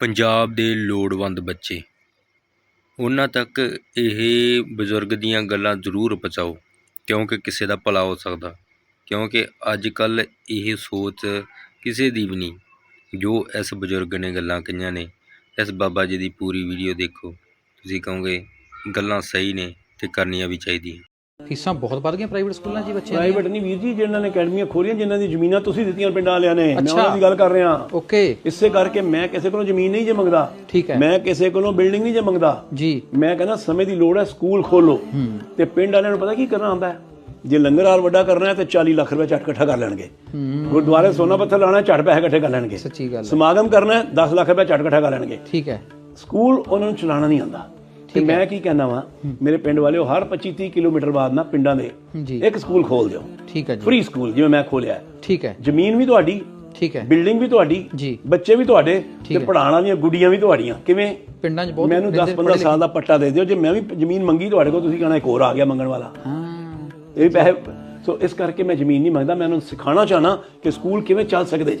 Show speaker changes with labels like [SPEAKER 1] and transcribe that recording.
[SPEAKER 1] ਪੰਜਾਬ ਦੇ ਲੋੜਵੰਦ ਬੱਚੇ ਉਹਨਾਂ ਤੱਕ ਇਹ ਬਜ਼ੁਰਗ ਦੀਆਂ ਗੱਲਾਂ ਜ਼ਰੂਰ ਪਹੁੰਚਾਓ, ਕਿਉਂਕਿ ਕਿਸੇ ਦਾ ਭਲਾ ਹੋ ਸਕਦਾ। ਕਿਉਂਕਿ ਅੱਜ ਕੱਲ੍ਹ ਇਹ ਸੋਚ ਕਿਸੇ ਦੀ ਵੀ ਨਹੀਂ ਜੋ ਇਸ ਬਜ਼ੁਰਗ ਨੇ ਗੱਲਾਂ ਕਹੀਆਂ ਨੇ। ਇਸ ਬਾਬਾ ਜੀ ਦੀ ਪੂਰੀ ਵੀਡੀਓ ਦੇਖੋ, ਤੁਸੀਂ ਕਹੋਗੇ ਗੱਲਾਂ ਸਹੀ ਨੇ ਅਤੇ ਕਰਨੀਆਂ ਵੀ ਚਾਹੀਦੀਆਂ।
[SPEAKER 2] ਫੀਸਾਂ ਬਹੁਤ ਵੱਧ ਗਈਆਂ ਪ੍ਰਾਈਵੇਟ ਸਕੂਲਾਂ 'ਚ ਬੱਚਿਆਂ ਦੀਆਂ।
[SPEAKER 3] ਪ੍ਰਾਈਵੇਟ ਨਹੀਂ ਵੀਰ ਜੀ, ਜਿਹਨਾਂ ਨੇ ਅਕੈਡਮੀਆਂ ਖੋਲੀਆਂ, ਜਿਨ੍ਹਾਂ ਦੀ ਜ਼ਮੀਨਾਂ ਤੁਸੀਂ ਦਿੱਤੀਆਂ ਪਿੰਡਾਂ ਵਾਲਿਆਂ ਨੇ, ਮੈਂ ਉਹਨਾਂ ਦੀ ਗੱਲ ਕਰ ਰਿਹਾ।
[SPEAKER 2] ਓਕੇ।
[SPEAKER 3] ਇਸੇ ਕਰਕੇ ਮੈਂ ਕਿਸੇ ਕੋਲੋਂ ਜ਼ਮੀਨ ਨਹੀਂ ਜੇ ਮੰਗਦਾ।
[SPEAKER 2] ਠੀਕ ਹੈ।
[SPEAKER 3] ਮੈਂ ਕਿਸੇ ਕੋਲੋਂ ਬਿਲਡਿੰਗ ਨਹੀਂ ਜੇ ਮੰਗਦਾ
[SPEAKER 2] ਜੀ।
[SPEAKER 3] ਮੈਂ ਕਹਿੰਦਾ ਸਮੇਂ ਦੀ ਲੋੜ ਹੈ, ਸਕੂਲ ਖੋਲੋ। ਤੇ ਪਿੰਡ ਵਾਲਿਆਂ ਨੂੰ ਪਤਾ ਕੀ ਕਰਨਾ ਆਉਂਦਾ ਹੈ, ਜੇ ਲੰਗਰ ਹਾਲ ਵੱਡਾ ਕਰਨਾ ਹੈ ਤੇ 40 ਲੱਖ ਰੁਪਏ ਝੱਟ ਇਕੱਠਾ ਕਰ ਲੈਣਗੇ। ਗੁਰਦੁਆਰੇ ਸੋਨਾ ਪੱਥਰ ਲਾਉਣਾ, ਝੱਟ ਪੈਸੇ ਇਕੱਠੇ ਕਰ ਲੈਣਗੇ।
[SPEAKER 2] ਸੱਚੀ ਗੱਲ।
[SPEAKER 3] ਸਮਾਗਮ ਕਰਨਾ 10 ਲੱਖ ਰੁਪਏ ਝੱਟ ਇਕੱਠਾ ਕਰ ਲੈਣਗੇ।
[SPEAKER 2] ਠੀਕ ਹੈ।
[SPEAKER 3] ਸਕੂਲ ਉਹਨਾਂ ਨੂੰ ਚਲਾਉਣਾ ਨਹੀਂ ਆਉਂਦਾ। ਤੇ ਮੈਂ ਕੀ ਕਹਿੰਦਾ ਵਾਂ, ਮੇਰੇ ਪਿੰਡ ਵਾਲਿਓ, ਹਰ 25-30 ਕਿਲੋਮੀਟਰ ਬਾਅਦ ਨਾ ਪਿੰਡਾਂ ਦੇ ਇੱਕ ਸਕੂਲ ਖੋਲ ਦਿਓ।
[SPEAKER 2] ਠੀਕ ਹੈ ਜੀ।
[SPEAKER 3] ਫ੍ਰੀ ਸਕੂਲ ਜਿਵੇਂ ਮੈਂ ਖੋਲਿਆ।
[SPEAKER 2] ਠੀਕ ਹੈ।
[SPEAKER 3] ਜ਼ਮੀਨ ਵੀ ਤੁਹਾਡੀ,
[SPEAKER 2] ਠੀਕ ਹੈ,
[SPEAKER 3] ਬਿਲਡਿੰਗ ਵੀ ਤੁਹਾਡੀ
[SPEAKER 2] ਜੀ,
[SPEAKER 3] ਬੱਚੇ ਵੀ ਤੁਹਾਡੇ, ਤੇ ਪੜ੍ਹਾਉਣ ਵਾਲੀਆਂ ਗੁੱਡੀਆਂ ਵੀ ਤੁਹਾਡੀਆਂ। ਕਿਵੇਂ?
[SPEAKER 2] ਪਿੰਡਾਂ 'ਚ ਬਹੁਤ
[SPEAKER 3] ਮੈਨੂੰ 10-15 ਸਾਲ ਦਾ ਪੱਟਾ ਦੇ ਦਿਓ, ਜੇ ਮੈਂ ਵੀ ਜ਼ਮੀਨ ਮੰਗੀ ਤੁਹਾਡੇ ਕੋਲ, ਤੁਸੀਂ ਕਹਿਣਾ ਇੱਕ ਹੋਰ ਆ ਗਿਆ ਮੰਗਣ ਵਾਲਾ। ਇਹ ਵੀ ਪੈਸੇ। ਸੋ ਇਸ ਕਰਕੇ ਮੈਂ ਜ਼ਮੀਨ ਨਹੀਂ ਮੰਗਦਾ, ਮੈਂ ਉਹਨੂੰ ਸਿਖਾਉਣਾ ਚਾਹਨਾ ਕਿ ਸਕੂਲ ਕਿਵੇਂ ਚੱਲ ਸਕਦੇ।